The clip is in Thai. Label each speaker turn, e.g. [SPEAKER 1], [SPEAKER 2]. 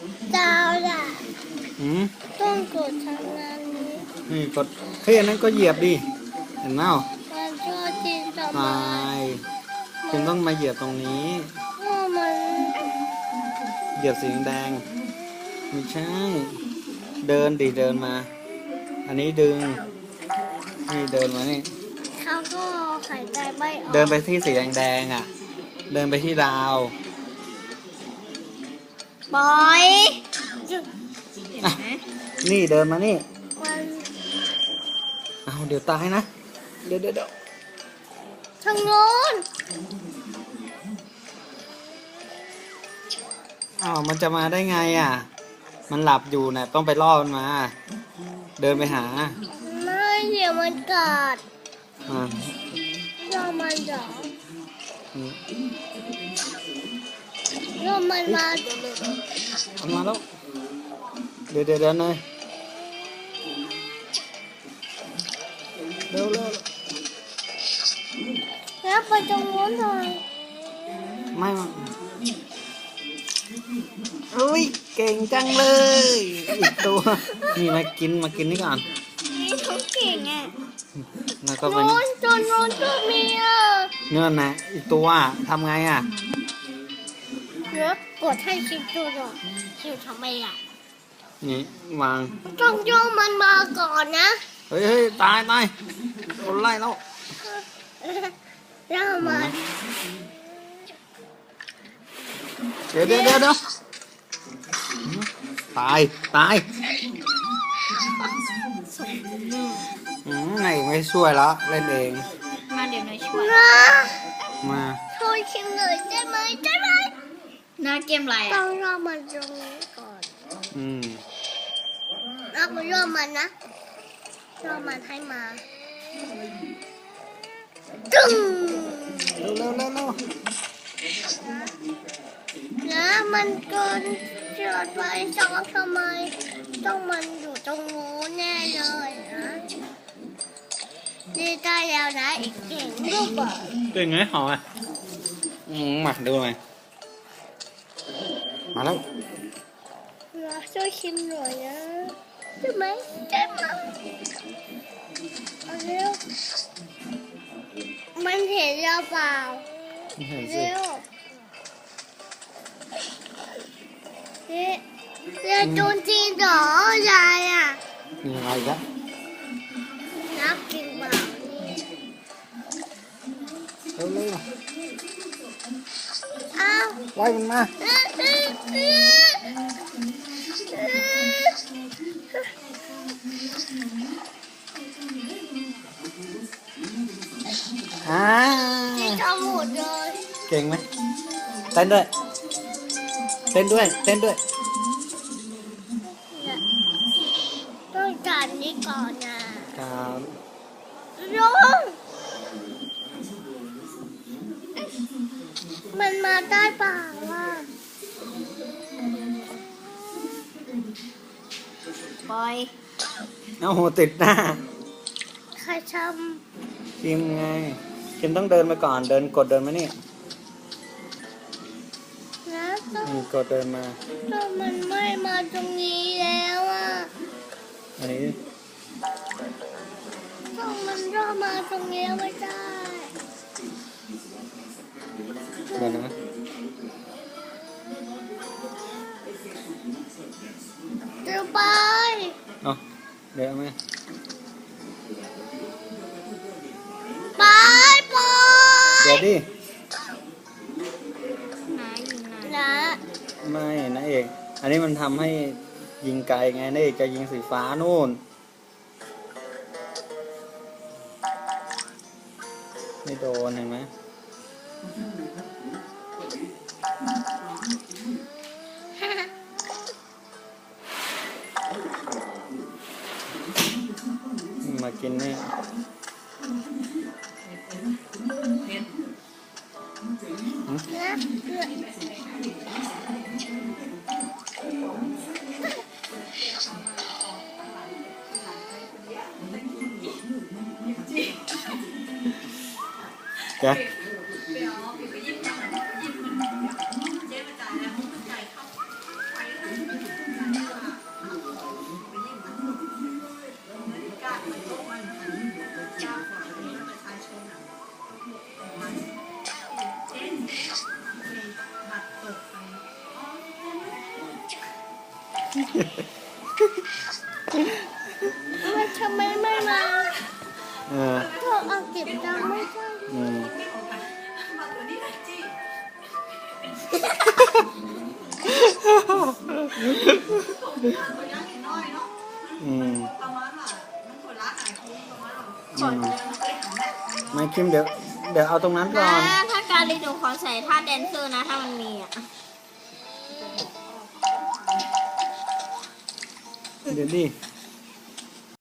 [SPEAKER 1] ดาวล่ะต้องกดทางนั้น
[SPEAKER 2] นี่กดเฮ้ยอันนั้นก็เหยียบดิเห็นไหม
[SPEAKER 1] มันชอบจินทำไม
[SPEAKER 2] คุณต้องมาเหยียบตรงนี้เหยียบสีแดงไม่ใช่เดินดิเดินมาอันนี้ดึงนี่เดินมานี่
[SPEAKER 1] เขาก็หายใจไม่ออก
[SPEAKER 2] เดินไปที่สีแดงอ่ะเดินไปที่ดาว
[SPEAKER 1] บอย
[SPEAKER 2] นี่เดินมานี่เอาเดี๋ยวตายนะเดี๋ยว
[SPEAKER 1] ทางโน้น
[SPEAKER 2] อ้าวมันจะมาได้ไงอ่ะมันหลับอยู่นะต้องไปล่อมันมาเดินไปหา
[SPEAKER 1] ไม่เดี๋ยวมันกัด
[SPEAKER 2] ร
[SPEAKER 1] อมันเหรอรอมันมา
[SPEAKER 2] มาแล้วเดี๋ยวเลยเร็ว
[SPEAKER 1] แล้วไปตรงโน้นหน่อย
[SPEAKER 2] ไม่อุ้ยเก่งจังเลยอีกตัวนี่มากินนี่ก่อน
[SPEAKER 1] นี่เขาเก่งอ่ะ
[SPEAKER 2] แล้วก็
[SPEAKER 1] ไปโน้นตัวมีอ่ะ
[SPEAKER 2] เนื้อนะอีกตัวทำไงอ่ะ
[SPEAKER 1] เดี๋ยวกดให้ชิมดูหน่อยชิมทำไมอ่ะ
[SPEAKER 2] นี่วาง
[SPEAKER 1] ต้องโยมมันมาก่อนนะ
[SPEAKER 2] เฮ้ยตายโดนไล่แล้ว
[SPEAKER 1] มัน
[SPEAKER 2] เดี๋ยวตายไหนไม่ช่วยแล้วเล่นเอง
[SPEAKER 1] มาเดี๋ยวนายช่วย
[SPEAKER 2] มา
[SPEAKER 1] ช่วยชิมหน่อยได้ไหมน่าเกมอะไรต้องรอมันตรงนี้ก่อนเราไปรอมันนะรอมันให้มาตึ้ง
[SPEAKER 2] เร็ว
[SPEAKER 1] นะมันเกินเกิดไปจอดทำไมต้องมันอยู่ตรงนู้นแน่เลยนะนี่ได้แล้วนะอีกเก่งรูปแบบ
[SPEAKER 2] เก่งไงหออ่ะมาดูไหมมาแล้ว
[SPEAKER 1] เราช่วยชิมหน่อยนะใช่ไหมเอาเร็วมันเห็นเราเปล่าเร็วเนี่ยโดนจริงเหรอยายอ่ะ
[SPEAKER 2] ยังไงจ๊ะ
[SPEAKER 1] นับกินเปล่า
[SPEAKER 2] เร็ว
[SPEAKER 1] อ้าว
[SPEAKER 2] ไล่มันมา
[SPEAKER 1] ทำหมดเลย
[SPEAKER 2] เก่งไหมเต้นด้วย
[SPEAKER 1] ต้องการนี้ก่อนนะครับลงมันมาได้เปล่าอ่ะบอย
[SPEAKER 2] เอาหัวติดหน้า
[SPEAKER 1] ใครท
[SPEAKER 2] ำคิมไงคิมต้องเดินมาก่อนเดินมานี่กดเดินมา
[SPEAKER 1] แต่มันไม่มาตรงนี้แล้วอ่ะ
[SPEAKER 2] อันนี้
[SPEAKER 1] ต้องมันรอมาตรงนี้ไม่ได้
[SPEAKER 2] เดินนะ
[SPEAKER 1] เดี๋ยวไป
[SPEAKER 2] เดี๋ยวไหม
[SPEAKER 1] ไป
[SPEAKER 2] เดี๋ยวดิไม่นะเอกอันนี้มันทำให้ยิงไกลไงนะเอกจะยิงสีฟ้านู่นไม่โดนเห็นไหมมากินนี่จ้ะ
[SPEAKER 1] ทำไมไม่มา
[SPEAKER 2] เออ
[SPEAKER 1] เธอเอาเก็บตังค์ไม่ใช่
[SPEAKER 2] อืมอืมไม่คิมเดี๋ยวเอาตรงนั้นก่อน
[SPEAKER 3] ถ้าการรีดูขอใส่ท่าแดนเซอร์นะถ้ามันมีอ่ะ
[SPEAKER 2] เดี๋ยวดิ